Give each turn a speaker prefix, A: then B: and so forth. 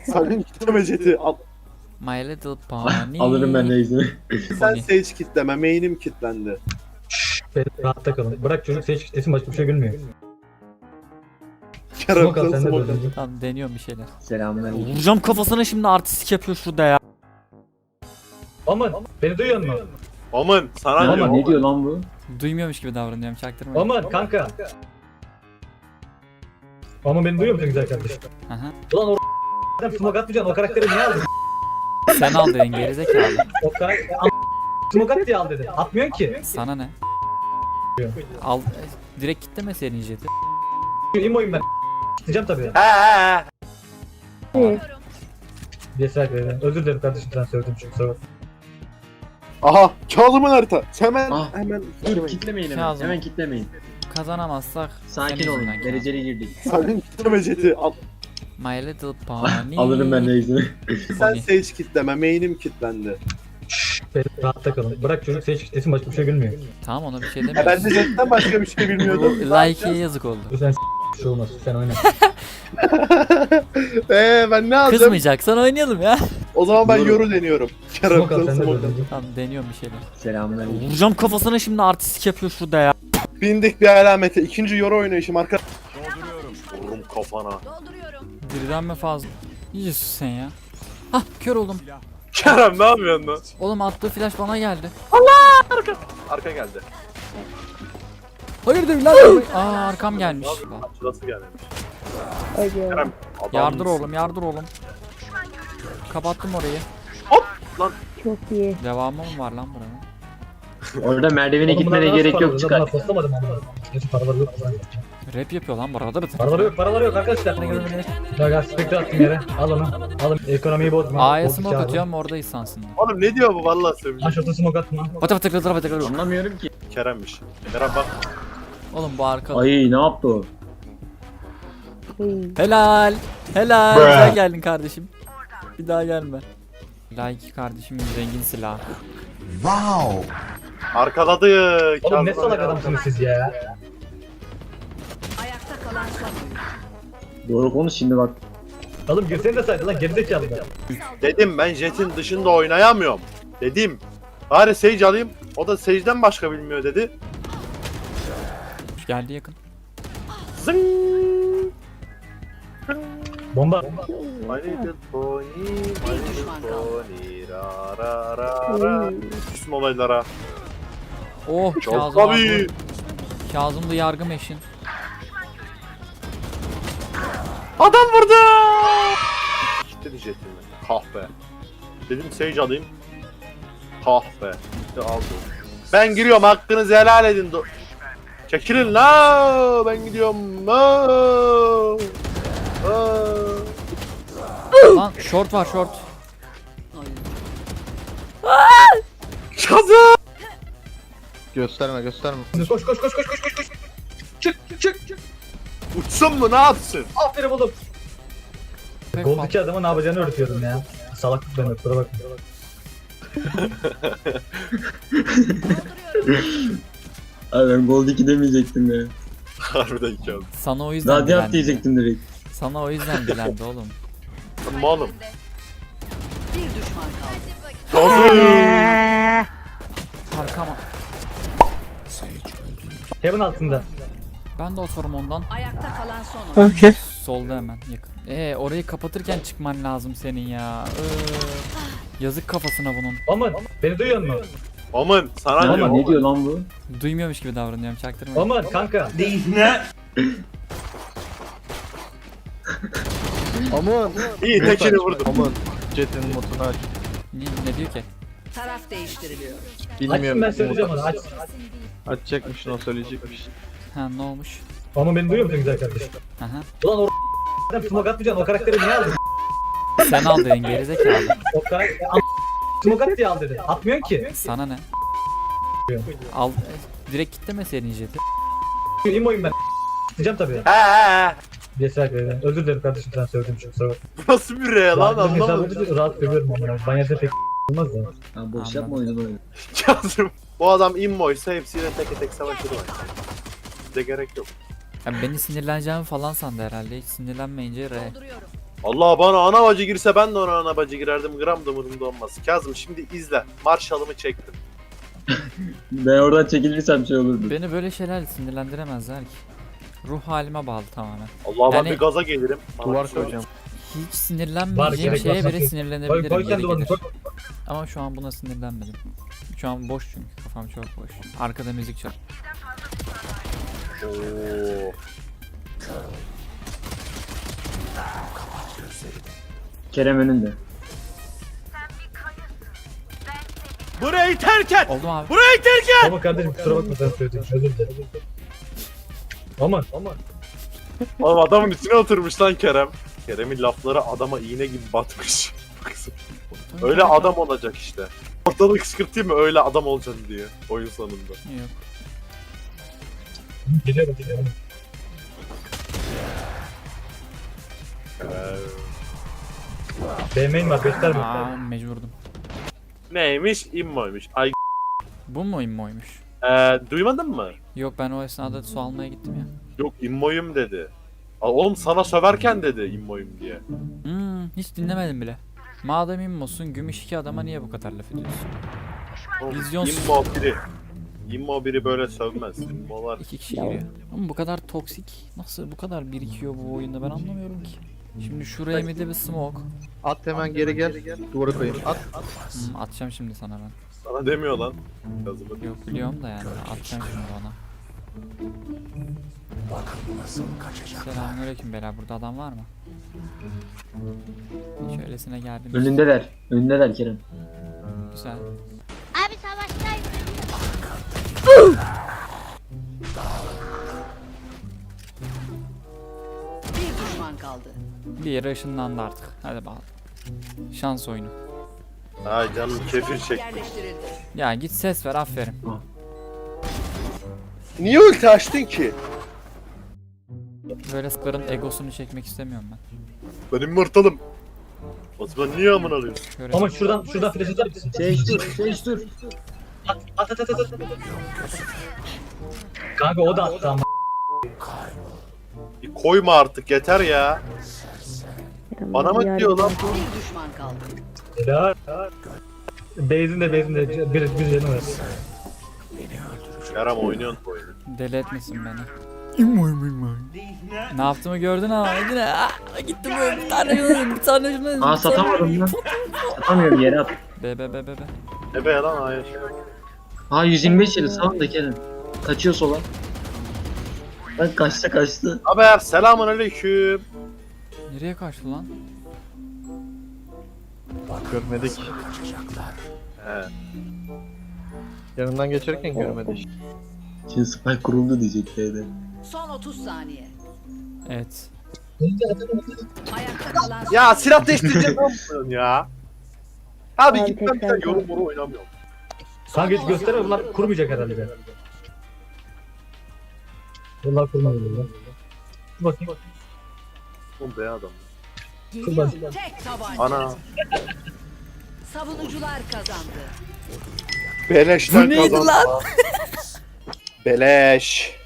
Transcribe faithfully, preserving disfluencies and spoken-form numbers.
A: Sakın kitleme jeti. Al.
B: My little pony.
C: Alırım ben neyse.
A: Sen sage kitleme. Main'im kitlendi.
D: Beni rahatta kalın. Bırak çocuk seç kitlesin, başka bir şey gülmüyor.
A: Kerem
D: Smoke al, sen de
A: smoke
D: böyle.
A: al.
B: Tamam, deniyorum bir şeyler.
C: Selamünaleyküm.
B: Vuracağım kafasına, şimdi artistik yapıyor şurada ya.
D: Aman beni duyuyor musun?
A: Aman sana
D: Aman,
A: diyor.
C: Ne diyor lan bu?
B: Duymuyormuş gibi davranıyorum, çaktırma.
D: Aman kanka. Aman beni duyuyor musun güzel kardeşim?
B: Aha.
D: Ulan o adam smoke atmayacaksın, o karakteri niye aldın?
B: Sen al dedin gerizekalı.
D: O karakteri smoke at diye al dedin. Atmıyorsun ki.
B: Sana ne? Al e, direkt kitleme senin jeti.
D: İmoyum ben. Gideceğim tabii.
A: He he.
D: Cesaret verin. Özür dilerim kardeşim, sen söyledim çünkü sonra.
A: Aha Kazım'ın harita. Hemen
C: Ah.
A: hemen.
C: Dur kitlemeyin hemen.
B: Kazım.
C: Hemen kitlemeyin.
B: Kazanamazsak
C: Sakin
B: senin
C: olun.
B: yüzünden kazan.
C: Dereceli girdik.
A: Sakın kitleme jeti. Al.
B: My little pony.
C: Alırım ben neyse.
A: Sen
B: Pony.
A: sage kitleme. Main'im kitlendi.
D: Beni rahatta kalın. Bırak çocuk seç kitlesin, başka bir şey gülmüyor.
B: Tamam, ona bir şey
A: Ya ben
B: demiyorum.
A: de jetten başka bir şey bilmiyordum.
B: Like'ye yazık oldu.
D: Dur sen bir şey olmaz. Sen oyna.
A: Eee ben ne alacağım?
B: Kızmayacaksan oynayalım ya.
A: O zaman ben
C: Yoru.
A: yoru deniyorum. Kerem
D: Smoke al, sen de
A: smoke
D: böyle.
A: al.
B: Tamam, deniyorum bir şeyler.
C: Selamünaleyküm.
B: Vuracağım kafasına, şimdi artistik yapıyor şurada ya.
A: Bindik bir alamete. İkinci yoru oynayışım arka. Vururum kafana.
B: Birden mi fazla? İyice sus sen ya. Hah, kör oldum.
A: Kerem ne yapıyorsun lan?
B: Oğlum attığı flash bana geldi.
A: Arka geldi.
B: Hayır değil lan. Aa, arkam gelmiş.
A: Şurası gelmemiş.
E: Ege.
A: Kerem adam
B: Yardır
A: mısın?
B: oğlum, yardır oğlum. Kapattım orayı.
E: Çok iyi.
B: Devamı mı var lan buranın?
C: Orada merdivene
D: Oğlum bunlar
C: gitmene
D: nasıl
C: gerek
D: paraları?
C: yok,
D: Ben
C: çıkar.
D: bunlar postamadım ama. Neyse paraları yok.
B: Rap yapıyor lan burada.
D: Paraları yok, paraları yok arkadaşlar. Ya gaz spektre attım yere. Al onu. Al. Ekonomiyi bozma.
B: A'ya
D: Bozuk
B: smoke
D: abi.
B: atıyorum, orada insansın.
A: Oğlum ne diyor bu vallahi söyleyeyim.
D: Aşağıda smoke atma.
B: Batı batı batı batı batı.
C: Anlamıyorum ki.
A: Kerem'miş. Kerem bak.
B: Oğlum bu arka.
C: Ay ne yaptı o?
E: İyi.
B: Helal. Helal. Güzel geldin kardeşim. Bir daha gelme. Like kardeşimin zengin silahı.
A: Arkaladı.
D: Oğlum ne
A: Kazım
D: salak
A: ya.
D: adamsınız siz ya.
F: Ayakta kalan son.
C: Doğru konuş şimdi bak.
D: Oğlum girsene de saydı lan, gerizekalı be.
A: Dedim ben jetin dışında oynayamıyorum. Dedim. Bari Sage alayım. O da Sage'den başka bilmiyor dedi.
B: Geldi yakın.
A: Zing.
D: Bomba.
A: My little pony, my little
F: düşman kaldı.
A: pony, ra ra ra ra.
E: İyi.
A: Üstün olaylara.
B: Oh,
A: Çok
B: Kazım
A: tabii.
B: abi. Kazım'da yargı eşin.
A: Adam vurdu. Gitti jetimi. Kahpe. Dedim Sage alayım. Kahpe. İşte aldı. Ben giriyorum, hakkınızı helal edin. Do- Çekilin la. Ben gidiyorum. La.
B: Lan short var, short.
A: Kazı.
G: Gösterme gösterme.
D: Koş koş koş koş koş koş koş. Çık çık çık.
A: Uçsun mu, ne yapsın?
D: Aferin oğlum.
B: Pek
D: Gold'daki adama ne yapacağını öğretiyordum ya. Salaklık benim, kusura bakma.
C: Abi ben Gold iki demeyecektim ya.
A: Harbiden kazı.
B: Sana o yüzden
C: Radyant
B: dilendi.
C: diyecektim direkt.
B: Sana o yüzden dilendi oğlum.
A: Tamam oğlum.
F: Bir düşman kaldı.
A: Kazı.
B: Arkama.
D: Heaven altında.
B: Ben de oturum ondan.
F: Ayakta kalan son.
E: Okey.
B: Solda hemen yakın. Ee orayı kapatırken çıkman lazım senin ya. Ee, yazık kafasına bunun.
D: Aman beni duyuyor musun?
A: Aman sana
C: Ama
A: diyor.
C: ne diyor lan bu?
B: Duymuyormuş gibi davranıyorum, çaktırma.
D: Aman kanka.
G: Aman.
A: İyi tekini vurdum.
G: Aman. Jet'in modunu aç.
B: Ne, ne diyor ki?
F: Taraf değiştiriliyor.
G: Bilmiyorum.
D: Açsın, ben söyleyeceğim onu, aç.
G: Açacakmış, o söyleyecekmiş.
B: Ha, ne olmuş?
D: Aman beni duyuyor musun güzel kardeşim?
B: Aha.
D: Ulan o adam smoke atmayacaksın, o karakteri niye aldın?
B: Sen al dedin gerizekalı.
D: O karakteri smoke at diye al dedin. Atmıyorsun ki.
B: Sana ne? Al e, direkt kitleme senin jeti.
D: İmoyum ben. Gideceğim tabii.
A: He he he.
D: Cesaret verin. Özür dilerim kardeşim, sen söyledim çünkü sonra.
A: Bu nasıl bir re lan,
D: Rahat bir
A: anlamadım.
D: hesabı rahat görüyorum ama. Banyada pek olmaz da.
C: Ha, boş
B: Anladım.
C: yapma oyunu böyle.
A: Kazım. Bu adam immoysa hepsiyle tek tek savaşır var. Bize gerek yok.
B: Ya beni sinirleneceğimi falan sandı herhalde. Hiç sinirlenmeyince re.
F: Dolduruyorum.
A: Allah bana ana bacı girse ben de ona ana bacı girerdim. Gram da umurumda olmaz. Kazım şimdi izle. Marşalımı çektim.
C: Ben oradan çekilirsem şey olurdu.
B: Beni böyle şeyler sinirlendiremezler ki. Ruh halime bağlı tamamen.
A: Allah ben
B: Yani-
A: bir gaza gelirim. Bana
G: Duvar
A: bir şey
G: koyacağım.
B: Hiç
D: Var,
B: sinirlenmeyeceğim
D: gerek
B: şeye
D: yok,
B: bile
D: sakın. Koy,
B: sinirlenebilirim.
D: koy
B: yeri
D: kendi duvarını
B: gelir.
D: koy.
B: Ama şu an buna sinirlenmedim. Şu an boş çünkü kafam çok boş. Arkada müzik çal.
A: Oo.
C: Kerem önünde.
A: Burayı terk et.
B: Oldu mu abi?
A: Burayı terk et.
D: Ama kardeşim kusura bakma sen söyledin. Özür dilerim. Aman aman.
A: Oğlum adamın üstüne oturmuş lan Kerem. Kerem'in lafları adama iğne gibi batmış. Öyle adam olacak işte. Ortalığı kışkırtayım mı öyle adam olacaksın diye oyun sonunda.
B: Yok.
D: Geliyorum geliyorum.
A: Ee,
D: B main var gösterme.
B: Aa, mecburdum.
A: neymiş? İmmoymuş. Ay
B: Bu mu immoymuş?
A: ee, duymadın mı?
B: Yok ben o esnada su almaya gittim ya.
A: Yok immoyum dedi. Aa, oğlum sana söverken dedi immoyum diye.
B: Hmm, hiç dinlemedim bile. Madem immosun gümüş iki adama niye bu kadar laf ediyorsun?
A: Oğlum,
B: Vizyonsuz.
A: İmmo biri. İmmo biri böyle sövmez. İmmolar.
B: İki kişi giriyor. Ama bu kadar toksik nasıl bu kadar birikiyor bu oyunda ben anlamıyorum ki. Şimdi şuraya bir de bir smoke.
G: At hemen geri gel. Duvara koyayım. At.
B: Hmm, atacağım şimdi sana ben.
A: Sana demiyor lan. Kazımı.
B: Yok biliyorum da yani atacağım şimdi ona. Selamünaleyküm beyler burada adam var mı? Hiç öylesine geldim.
C: Önündeler. Önündeler Kerem.
B: Güzel.
H: Abi savaştayız.
F: Bir düşman kaldı.
B: Bir yere ışınlandı artık. Hadi bakalım. Şans oyunu.
A: Ay canım kefir çek.
F: Yerleştirildi.
B: Ya git ses ver aferin.
A: Niye ulti açtın ki?
B: Böyle sıkların egosunu çekmek istemiyorum ben.
A: Benim mırtalım. O zaman niye amına alıyorsun?
B: Şöyle
D: Ama şuradan şuradan flash atar mısın?
C: Şey dur, şey dur.
D: At at at at. at. Kanka o da attı ama.
A: Bir koyma artık yeter ya. Bana mı diyor lan bu?
F: Bir düşman kaldı.
D: Ya. Base'in de base'in de bir bir canı var.
A: Kerem oynuyorsun bu oyunu.
B: deli etmesin beni. İmmoy immoy. Ne yaptığımı gördün ama yine ah, gittim böyle bir tane şunu bir tane şunu.
C: Aa satamadım lan. Satamıyorum yere at.
B: Be be be be be.
A: Ne be lan hayır.
C: Aa yüz yirmi beş yeri sağında Kerem. Kaçıyor sola. Bak kaçtı kaçtı.
A: Haber selamun aleyküm.
B: Nereye kaçtı lan?
G: Görmedik.
A: He.
G: Yanından geçerken görmedik.
C: Şimdi spike kuruldu diyecek B'de.
F: Son otuz saniye.
B: Evet.
F: Ayakta kalan son
A: Ya silah değiştireceğim ne yapıyorsun ya? Abi
E: Abi
A: git ben bir
E: tekrar
A: tane yorum moru oynamıyorum.
D: Kanka hiç gösterme bunlar kurmayacak herhalde be. Bunlar kurmuyor lan. Dur bakayım.
A: Oğlum be adam.
D: Kur bak.
F: tek tabanca.
A: Ana.
F: Savunucular kazandı.
A: Beleşten
B: Bu neydi
A: kazandı.
B: lan?
A: Beleş.